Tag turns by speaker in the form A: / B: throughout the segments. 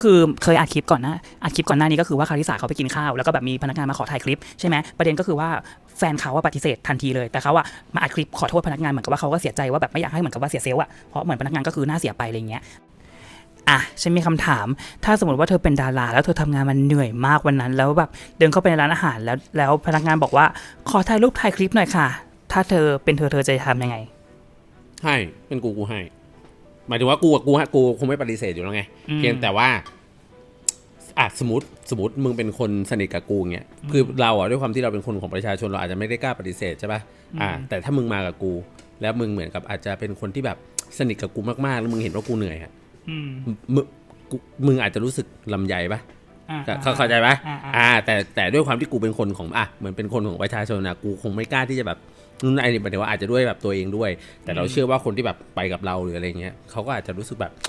A: คือเคยอัดคลิปก่อนหน้านี้ก็คือว่าคาริสาเขาไปกินข้าวแล้วก็แบบมีพนักงานมาขอถ่ายคลิปใช่ไหมประเด็นก็คือว่าแฟนเขาว่าปฏิเสธทันทีเลยแต่เขาว่ามาอัดคลิปขอโทษพนักงานเหมือนกับว่าเขาก็เสียใจว่าแบบไม่อยากให้เหมือนกับว่าเสียเซลล์อะเพราะเหมือนพนักงานก็คือหน้าเสียไปอะไรเงี้ยฉันมีคำถามถ้าสมมติว่าเธอเป็นดาราแล้วเธอทำงานมันเหนื่อยมากวันนั้นแล้วแบบเดินเข้าไปในร้านอาหารแล้วพนักงานบอกว่าขอถ่ายรูปถ่ายคลิปหน่อยค่ะถ้าเธอเป็นเธอจะทำยังไง
B: ให้เป็นกูให้หมายถึงว่ากูคงไม่ปฏิเสธอยู่แล้วไงเพียงแต่ว่าสมมติมึงเป็นคนสนิทกับกูเงี้ยคือเราด้วยความที่เราเป็นคนของประชาชนเราอาจจะไม่ได้กล้าปฏิเสธใช่ป่ะแต่ถ้ามึงมากับกูแล้วมึงเหมือนกับอาจจะเป็นคนที่แบบสนิทกับกูมากๆแล้วมึงเห็นว่ากูเหนื่อยอ่ะมึงอาจจะรู้สึกลำใหญ่ป่ะเข้าใจป่ะแต่ด้วยความที่กูเป็นคนของเหมือนเป็นคนของประชาชนนะกูคงไม่กล้าที่จะแบบนู่นไอ้นี่หมายถึงว่าอาจจะด้วยแบบตัวเองด้วยแต่เราเชื่อว่าคนที่แบบไปกับเราหรืออะไรเงี้ยเขาก็อาจจะรู้สึกแบบ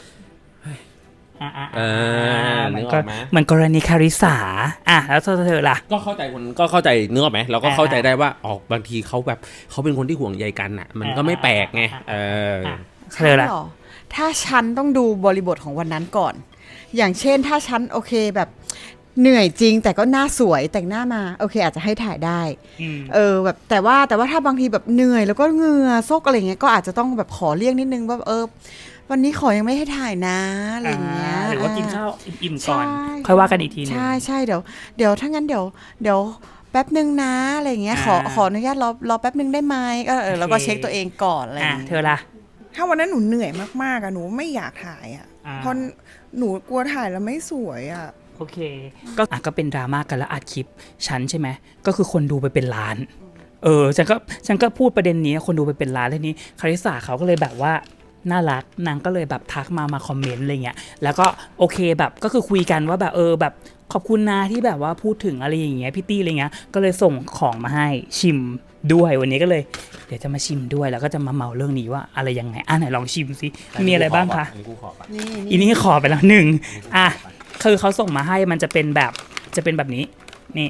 A: เหมือนกรณีคาริสาแล้วเธอล่ะ
B: ก็เข้าใจเนื้อไหมเราก็เข้าใจได้ว่าบางทีเขาแบบเขาเป็นคนที่ห่วงใยกันอ่ะมันก็ไม่แปลกไง
A: เธอล่ะ
C: ถ้าฉันต้องดูบริบทของวันนั้นก่อนอย่างเช่นถ้าฉันโอเคแบบเหนื่อยจริงแต่ก็หน้าสวยแต่งหน้ามาโอเคอาจจะให้ถ่ายได้แบบแต่ว่าถ้าบางทีแบบเหนื่อยแล้วก็เหงื่อซกอะไรเงี้ยก็อาจจะต้องแบบขอเลี่ยงนิดนึงว่าวันนี้ขอยังไม่ให้ถ่ายนะอะไรเงี้ย
A: หรือว่ากินข้าวอิ่มๆก่อนค่อยว่ากันอีกทีนึง
C: ใช่เดี๋ยวถ้างั้นเดี๋ยวแป๊บนึงนะอะไรเงี้ยขออนุญาตรอแป๊บนึงได้ไหมก็แล้วก็เช็คตัวเองก่อนอะไรอย่างเงี้ย
A: เธอล่ะ
D: ถ้าวันนั้นหนูเหนื่อยมากๆหนูไม่อยากถ่ายเพราะหนูกลัวถ่ายแล้วไม่สวย
A: โอเคก็เป็นดราม่ากันแล้วอัดคลิปฉันใช่ไหมก็คือคนดูไปเป็นล้านฉันก็พูดประเด็นนี้คนดูไปเป็นล้านแล้วนี้คาริสาเขาก็เลยแบบว่าน่ารักนางก็เลยแบบทักมาคอมเมนต์อะไรเงี้ยแล้วก็โอเคแบบก็คือคุยกันว่าแบบแบบขอบคุณนะที่แบบว่าพูดถึงอะไรอย่างเงี้ยพี่ตี้อะไรเงี้ยก็เลยส่งของมาให้ชิมด้วยวันนี้ก็เลยเดี๋ยวจะมาชิมด้วยแล้วก็จะมาเมาเรื่องนี้ว่าอะไรยังไงไหนลองชิมสิมีอะไรบ้างคะอันนี้ขอไปแล้ว1คือเขาส่งมาให้มันจะเป็นแบบนี้นี่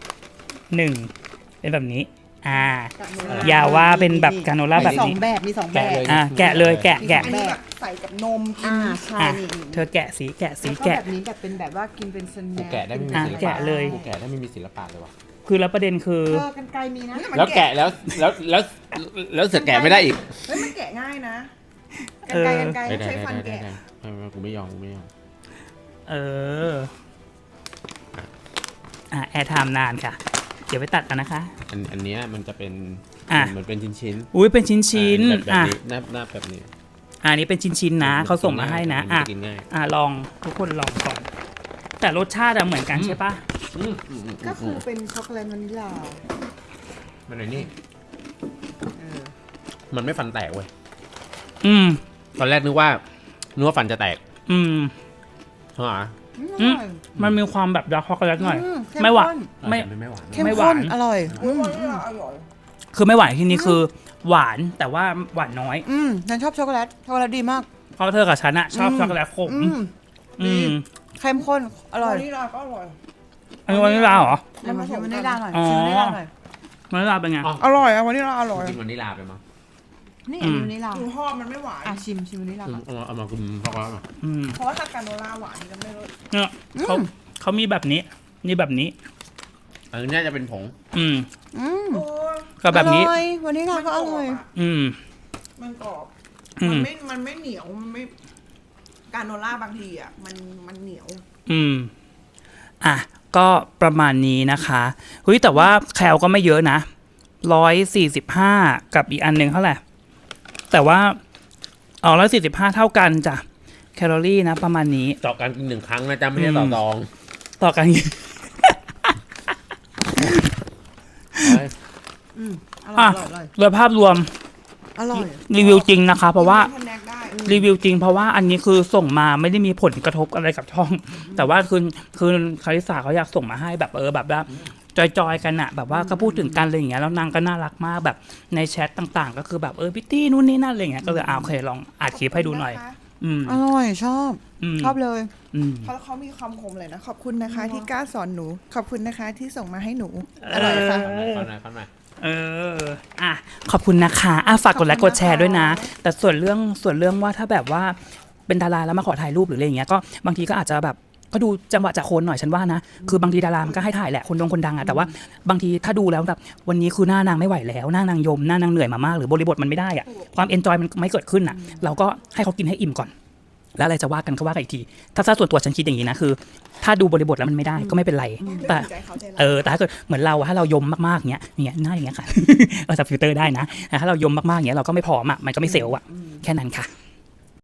A: 1เป็นแบบนี้อย่าว่าเป็นแบบกาโนล่าแบบนี้
C: มี2แบบ
A: แกะเลยแกะ
D: แบบใส่กับนม
C: ใช่
A: เธอแกะสีแกะ
C: แบบนี้แบบเป็นแบบว่ากินเป็นสแน็ค
B: กูแกะได้ไม่มีศิลปะ
A: แกะเลย
B: กูแกะได้ไม่มีศิลปะเลยว่ะ
A: คือแล้วประเด็นคือ
C: กันไกลมีนะ
B: แล้วแกะแล้วเสือแกะไม่ได้อีก
D: มันแกะง่ายนะกันไกลใช้ฟันแกะ
B: กูไม่ยอม
A: แอร์ไทม์นานค่ะเดี๋ยวไปตัดกันนะคะ
B: อันนี้มันจะเป็นเหมือนเป็นชิ้น
A: อุ้ยเป็นชิ้น
B: แบบนี้หน้าแบบนี้
A: อันนี้เป็นชิ้นนะเขาส่งมาให้นะลองทุกคนลองก่อนแต่รสชาติเหมือนกันใช่ปะ
C: ก็คือเป็นช็อกโกแลตวานิลลา
B: มันนี่มันไม่ฟันแตกเว้ยตอนแรกนึกว่าฟันจะแตก
A: มันมีความแบบดาร์กช็อกโกแลตหน่อยไม่หวาน
C: ไม่หวานอร่อย
A: คือไม่หวานที่นี่คือหวานแต่ว่าหวานน้อย
C: ฉันชอบช็อกโกแลตดีมาก
A: เพราะเธอกับฉันชอบช็อกโกแลตขม
C: เข้มข้นอร่อยว
D: านิลลาก็อร่อย
A: อันนี้วานิลลาเหรอ
C: ชิมวานิลลาหน่อยว
A: านิลลาเป็นไง
D: อร่อยวานิลลาอร่อย
B: กินวานิลลาไปมั้ง
C: นี่วานิลลา
D: หนูชอบมันไม่หวาน
C: ชิมวานิลลา
B: เอามากินช็อกโกแลต
D: เพราะว่าถ้ากาโนล่าหวานนี่ก็ไม่รู้
A: เนี่ยเขามีแบบนี้นี่แบบนี้
B: อันนี้จะเป็นผง
A: ก็แบบนี้
C: วานิลลาก็อร่อย
D: มันกรอบมันไม่เหนียวมันไม่กาโนล่าบางทีมันเหนียว
A: ก็ประมาณนี้นะคะเฮ้ยแต่ว่าแคลก็ไม่เยอะนะ145กับอีกอันหนึ่งเท่าไหร่แต่ว่า145เท่ากันจ้ะแคลอรี่นะประมาณนี้
B: ต่อการกิน1ครั้งนะจ๊ะไม่ใช่
A: ต่อการกินโดยภาพรวม
C: อร่อย
A: รีวิวจริงนะคะเพราะว่ารีวิวจริงเพราะว่าอันนี้คือส่งมาไม่ได้มีผลกระทบอะไรกับช่องแต่ว่าคือคาริสาเขาอยากส่งมาให้แบบแบบว่าจอยกันอะแบบว่าก็พูดถึงกันอะไรอย่างเงี้ยแล้วนางก็น่ารักมากแบบในแชทต่างๆก็คือแบบพี่ตี้นู่นนี่นั่นอะไรเงี้ยก็เลยโอเคลองอัดคลิปให้ดูหน่อย
C: อร่อยชอบเลย
D: เขามีคำคมเลยนะขอบคุณนะคะที่กล้าสอนหนูขอบคุณนะคะที่ส่งมาให้หนูอร่อยค่ะ
A: ขอบคุณนะคะฝากกดไลค์กดแชร์ด้วยนะแต่ส่วนเรื่องว่าถ้าแบบว่าเป็นดาราแล้วมาขอถ่ายรูปหรืออะไรอย่างเงี้ยก็บางทีก็อาจจะแบบก็ดูจังหวะจากคนหน่อยฉันว่านะคือบางทีดารามันก็ให้ถ่ายแหละคนดังอะแต่ว่าบางทีถ้าดูแล้วแบบวันนี้คือหน้านางไม่ไหวแล้วหน้านางยมหน้านางเหนื่อยมามากหรือบริบทมันไม่ได้อะความเอนจอยมันไม่เกิดขึ้นอะเราก็ให้เขากินให้อิ่มก่อนแล้วอะไรจะว่ากันก็ว่ากันอีกทีถ้าส่วนตัวฉันคิดอย่างนี้นะคือ ถ้าดูบริบทแล้วมันไม่ได้ก็ไม่เป็นไรแต่แต่ถ้าเกิดเหมือนเราถ้าเรายมมากๆเงี้ยหน้าอย่างเงี้ยค่ะ เราจะฟิลเตอร์ได้นะแต่ถ้าเรายมมากๆเงี้ยเราก็ไม่พร้อมอะมันก็ไม่เซลล์อะแค่นั้นค่ะ